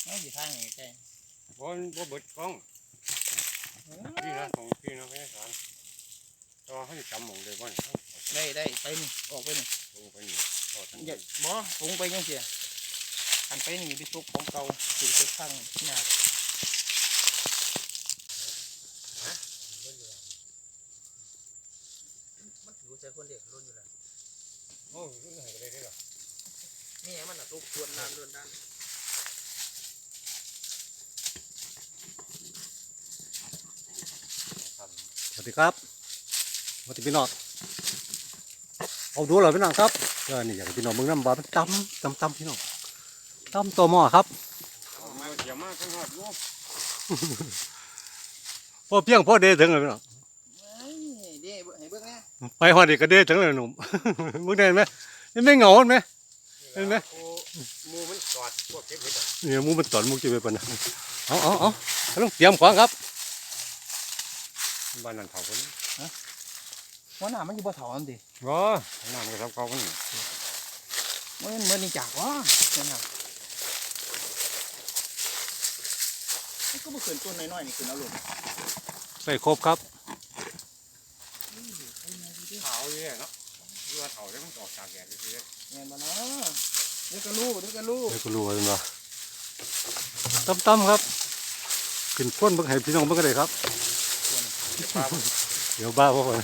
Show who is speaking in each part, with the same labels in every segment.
Speaker 1: น้องอยู่ทางไหนใช่
Speaker 2: บนเบิดกล้องพี่นะของพี่นะไม่ใช่สารต่อให้จำหมองเลยบ่
Speaker 1: ได้ไปนี่ออกไปนี่
Speaker 2: ลงไปนี่ทอด
Speaker 1: อย่าบ่ลงไปยังเสียหันไปนี่ไปซุกของเก่าสิไปข้างหน้ามันถือใจคนเด็กรุ่นอยู่แล้ว
Speaker 2: โอ้ยรุ่นไหนก็ได้หรอ
Speaker 1: นี่มันอ่ะตุกควรนานเดินด้าน
Speaker 3: สวัสดีครับสวัสดีพี่น้องเอาดูเหรอพี่น้องครับนี่อยากพี่น้องมึงน้ำบาเป็นตำพี่น้องตำตัวหม้อครับ
Speaker 2: มาเกี่ยวมากทั้งหอดลูก
Speaker 3: พ่อเพียงพ่อเดถึงเลยพี่น้อง
Speaker 1: เด้ให้เบิ่งนะ
Speaker 3: ไปหอดอีกก็เดถึงเลยหนุ่มมึงเดินไหมไม่เหงาไหมเห็นไหม
Speaker 2: มูมันกอดพวกเก็บเห็ด
Speaker 3: เนี่ยมูมันตอดมูเก็บไปปะนะเอาต้องเตรียมของครับ
Speaker 2: บ้านนั่นเผาคน
Speaker 1: ว่าหน้ามันอยู่บ่เท่าอันดิ
Speaker 2: ว้าน้ำมันก็ทำเขาคน
Speaker 1: มันเหมือนนี่จากวะนั่นน่ะก็บ่ขึ้นต้นน้อยๆนี่ขึ้นเอาลง
Speaker 3: ใส่ครบครับ
Speaker 2: เผาเยอะเนาะเรือเผาได้มันออกจากแดดเลย
Speaker 1: แม่นบ่เนาะเดี๋ยวก็รู้
Speaker 3: เดี๋ยวก็รู้ว่าเป็นว่าตำครับขึ้นพ้นเบิ่งให้พี่น้องเบิ่งก็ได้ครับเดี๋ยวบ้าพวกคน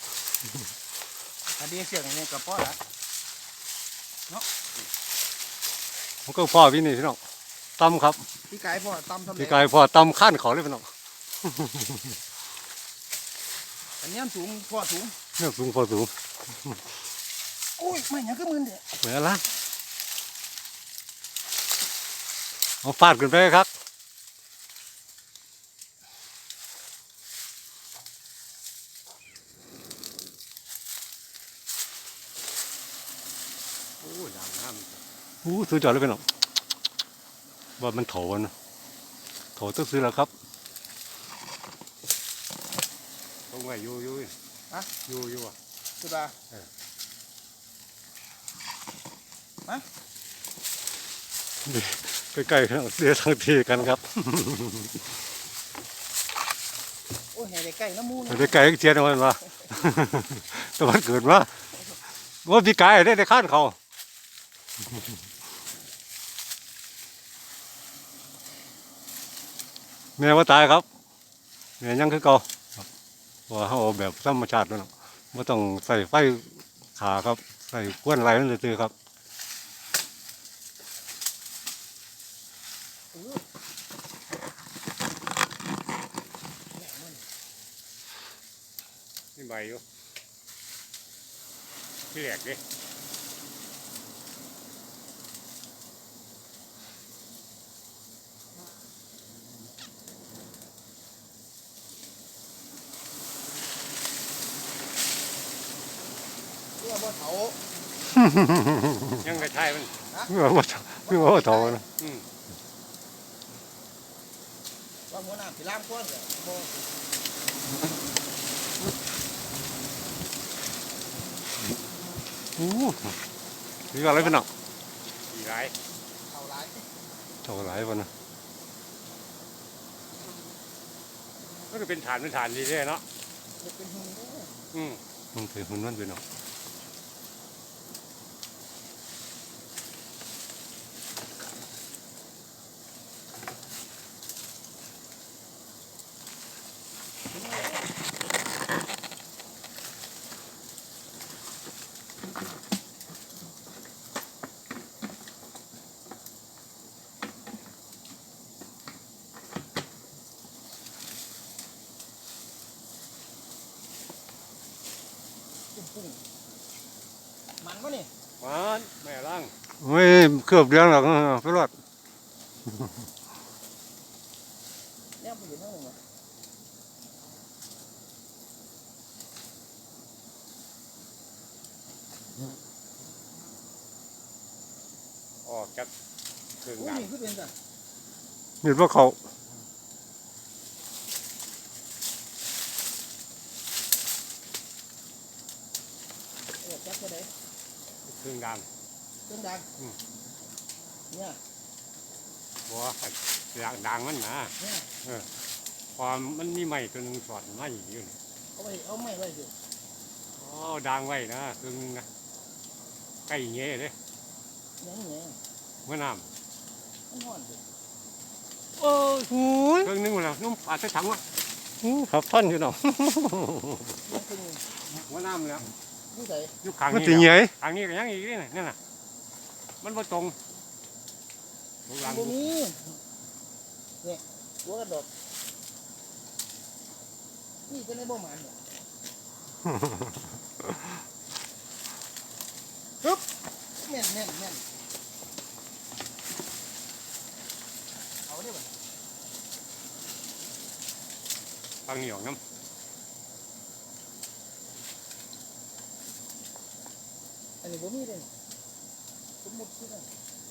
Speaker 1: อันนี้เสียงนี่ก็พอละเนาะ
Speaker 3: มันก็พ่อพี่นี่พี่น้องตำครับ
Speaker 1: พี่กายพ่อตำทำ
Speaker 3: พี่กายพ่อตำข้านเขาเลยพี่น้อง
Speaker 1: อันนี้สูงพ่อสูง
Speaker 3: เนี่ยสูงพอสูง
Speaker 1: โอ้ยไม่ยังก็มึนเด้
Speaker 3: เหมือนละเอาฟาดขึ้นไปครับซื้อจอดเลยพี่น้องว่ามันโถนะโถต้องซื้อแล้วครับ
Speaker 2: ตรงไหนอยู่
Speaker 1: ฮะ
Speaker 2: อยู่อ่ะ
Speaker 1: สุดาฮะ
Speaker 3: ใกล้ๆเดี๋ยวทางทีกันครับ
Speaker 1: โอ้ยใกล้น้ำมูน
Speaker 3: ใกล้ๆเชียร์นะมันว่าตะวันเกิดว่าพี่กายได้ข้านเขาแม่ว่าตายครับแม่ยังคือเก่าว่าเขาแบบธรรมชาติแล้วไม่ต้องใส่ไฟขาครับใส่ก้วนไรนั่นเลยครับ
Speaker 2: นี่ใบอยู่พี่แหลกดิ
Speaker 1: บ่เถา
Speaker 2: ยังกระชายมัน
Speaker 3: เมื่อว่าโตนะ
Speaker 1: ว่าหัวหน้าสิล้างก้นบ่
Speaker 3: นี่ก็อะไรเป็นหนัก
Speaker 2: อีไร
Speaker 1: เท่าไร
Speaker 3: วันนะ
Speaker 2: ก็จะเป็นฐานดีเลยเนาะ
Speaker 1: เป็นหุ่น
Speaker 3: มันเป็นหุ่นนั่นเป็นหนัก
Speaker 1: มันวะนี่
Speaker 2: มันแม่ล่าง
Speaker 3: ไม่เคลือบเลี้ยงหรอกไปรอด
Speaker 1: เนี่ยไปอยู่นั่งหนึ่ง
Speaker 2: ออกจากเครื่อง
Speaker 1: ดำขึ้นเป็นจ้ะ
Speaker 3: เห็นว่าเขา
Speaker 1: จับไปไหน
Speaker 2: เครื่องดัง
Speaker 1: เนี่ย
Speaker 2: บัวด่างมันนะ
Speaker 1: เนี่ย
Speaker 2: ความมันมีไม้ตัวหนึงสอดไม้อยู่นี่
Speaker 1: เอาไม่ไว้สิ
Speaker 2: อ๋อด่างไว้นะตัวนึงนะใกล้เงี้ยเลย
Speaker 1: ยังไง
Speaker 2: เมื่อน้
Speaker 1: มันห่อนสิ
Speaker 3: โอ้ยหูย
Speaker 2: ำเครื่องนึงหมดแล้วนุ่มอาจจะถังวะ
Speaker 3: ขับท่อนอยู่เนาะ
Speaker 1: ยังเป็น
Speaker 2: เมื่อน้ำแล้ว
Speaker 1: นี่ใส่
Speaker 2: ยุคขาง
Speaker 3: มัน
Speaker 2: นี้
Speaker 3: ตี
Speaker 2: แล้ว
Speaker 3: ใหญ่
Speaker 2: ขางนี้ก็ยังอีกนี่น่ะนั่นน่ะมันบ่ตรงลูกหลัง
Speaker 1: บ่มีเนี่ยหัวกระดกนี่จะได้บ่หมันเนี่ยปึ๊บแม่นเอาได้บ่
Speaker 2: ขางนี้ออกน้
Speaker 1: อันนี้บ่มีเลยสมมุติคือได้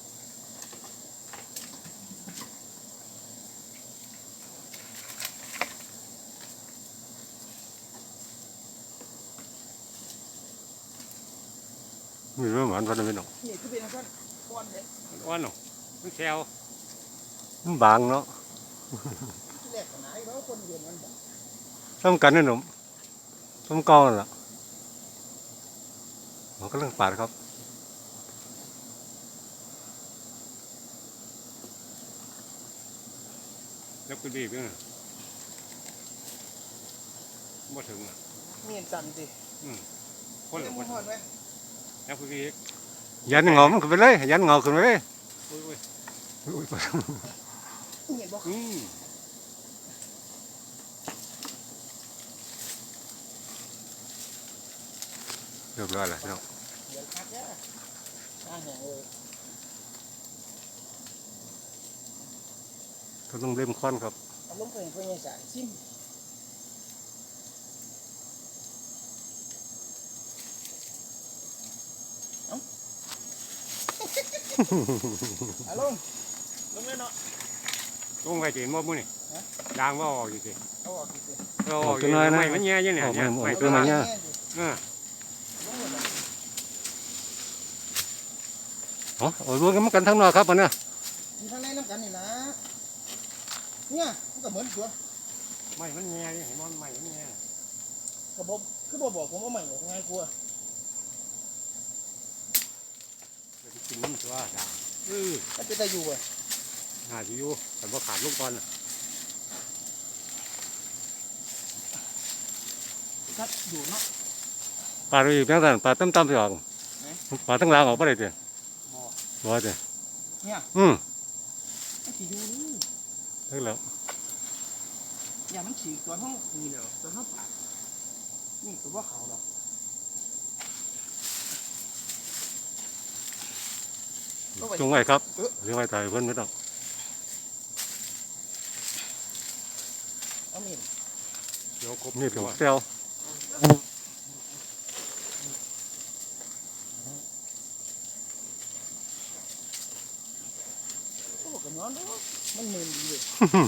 Speaker 3: มีเรื่องหวานพันธุ์พี่น้อง
Speaker 1: นี่คือเป็นอันนั้นก้อนเด็ก
Speaker 2: ำอ้วนหนูมันแซว
Speaker 3: มันบางเนาะ
Speaker 1: ที่แรกก็หนาอยู่แล้วคนเรียนมันบ่
Speaker 3: ซ้ำกันนี่หนุ่มซ้ำเก่านั่นล่ะมันก็เรื่องปาดครับ
Speaker 2: แล้วก็ดีบด้วยนะบ่ถึงอ่ะ
Speaker 1: มีอันสั่นสิ
Speaker 2: คนละ
Speaker 1: ยัง
Speaker 2: ค
Speaker 1: บ่
Speaker 2: น
Speaker 1: ฮอดไหม
Speaker 2: แล้วก็ดีบ
Speaker 3: ยันเงามันขึ้นไปเลยยันเงาขึ้นไปเลย
Speaker 2: อุ้ย
Speaker 3: อุ้ย
Speaker 1: เห็นบ่
Speaker 3: เรียบร้อยแล้วพี่น้อง
Speaker 1: เดี๋ยวคักเด้ออ่าแหงเลย
Speaker 3: ก็ต้องเล่มควันครับ
Speaker 1: เอาลงไปให้เพิ่นยังสารซิมเอาลงเลยเนาะ
Speaker 2: ลงไปเห็นบ่มื้อนี่
Speaker 1: ฮะ
Speaker 2: ด่างบ่ออกอยู่สิ
Speaker 1: เอาออกสิ
Speaker 2: เราออกอยู่ไม่มันแย่อยู่เนี่ยเนี่ยไม่
Speaker 3: ตัวมันเนี่ย
Speaker 2: เออ
Speaker 1: ลงเลยเนาะ
Speaker 3: อ๋อเอารวมกันมากันทั้งนอกครับอันเนี้ย
Speaker 1: อยู่ข้างในน้ำกันนี่นะเนี่ยมันก็เหมือนตัว
Speaker 2: ไม่มันแย่อยู่เห็นมันไม่มันแย่
Speaker 1: กระบอกคือบ่บอกผมว่าใหม่หรอกง่ายกลัวา
Speaker 2: จะไปกินน้ำตัวด่าง
Speaker 1: มันเป็นตาอยู่อ่ะ
Speaker 2: หาสิอยู่แต่บ่ขาดลูกก่อน
Speaker 1: ถ้าอยู่เนาะ
Speaker 3: ปลาดูอีกแม่งแต่ปลาตั้มๆสิออกปลาตั้งหลางออกไปเลยเจ้
Speaker 1: บ่
Speaker 3: บ่เจ้
Speaker 1: เนี่ย มันสิอยู่นี่
Speaker 3: ถึงแล้ว
Speaker 1: อย่ามันฉีกตัวห้องนี่แล้วตัวห้องปากนี่คือว่าเขาดอก
Speaker 3: จงไว้ครับเลี้ยงไว้ถ่ายเพื่อนไม่ต้อง
Speaker 1: เอามีด
Speaker 2: เดี๋ยวครบ
Speaker 3: นี่
Speaker 2: ตั
Speaker 3: ถึง
Speaker 2: ว
Speaker 3: เซล
Speaker 1: โอ้กันย้อนเด้อมันเหม็นดีเลย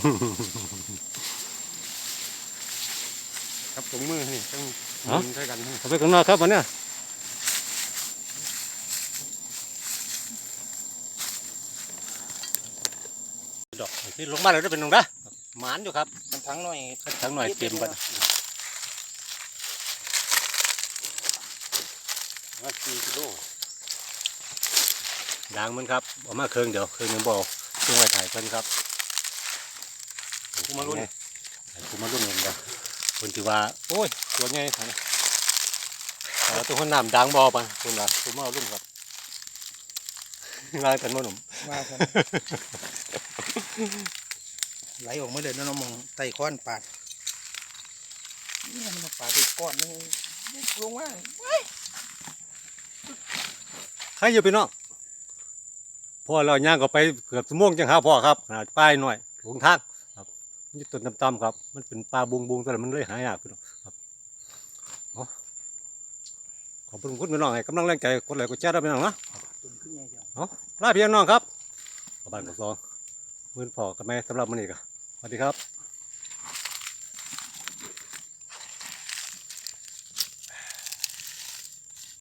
Speaker 2: ครับถุงมือนี่ต้องมือใช้กัน
Speaker 3: เอาไปข้างนอกครับอันเนี้ยดอกที่ลงมาเลยได้เป็นตรงนะหมานอยู่ครับ
Speaker 1: มันทั้งหน่อย
Speaker 3: ทั้งหน่อยเต็มบัด
Speaker 2: ว่า4 กิโล
Speaker 3: ด่างมันครับเอามาเครื่องเดี๋ยวเครื่องหนึงบ่เอาจงไว้ถ่ายเพื่อนครับ
Speaker 2: กูมาลุ้น
Speaker 3: กูมารุ่นเองเด้อคนที่ว่าโอ้ยตัวใหญ่ขนาดนี้แต่ตัวคนน้ำด่างบ่ปะคุณว่ากูมาเอารุ่นครับลายกันบ่หนุ่ม
Speaker 1: มาครับ ไหลออกมาเลยนะน้องมองไต่ค้อนปาดนี่มันมาปาดอีกก้อนนึงลงว่า
Speaker 3: ใครอยู่พี่น้องพ่อเราย่างก็ไปเกือบชั่วโมงจังหาพ่อครับป้ายหน่อยหลงทางครับมันอยู่ต้นต่ำๆครับ มันเป็นปลาบุงๆแต่มันเลยหายากพี่น้องครับขอบคุณพี่น้องให้กำลังแรงใจกดไลค์กดแชร์ด้วยพี่น้องนะ
Speaker 1: ตุ่มขึ้นใหญ่จัง
Speaker 3: ลาพี่น้องครับขอบคุณกับซองมื้อพ่อกับแม่สำหรับมื้อนี้ก็สวัสดีครับ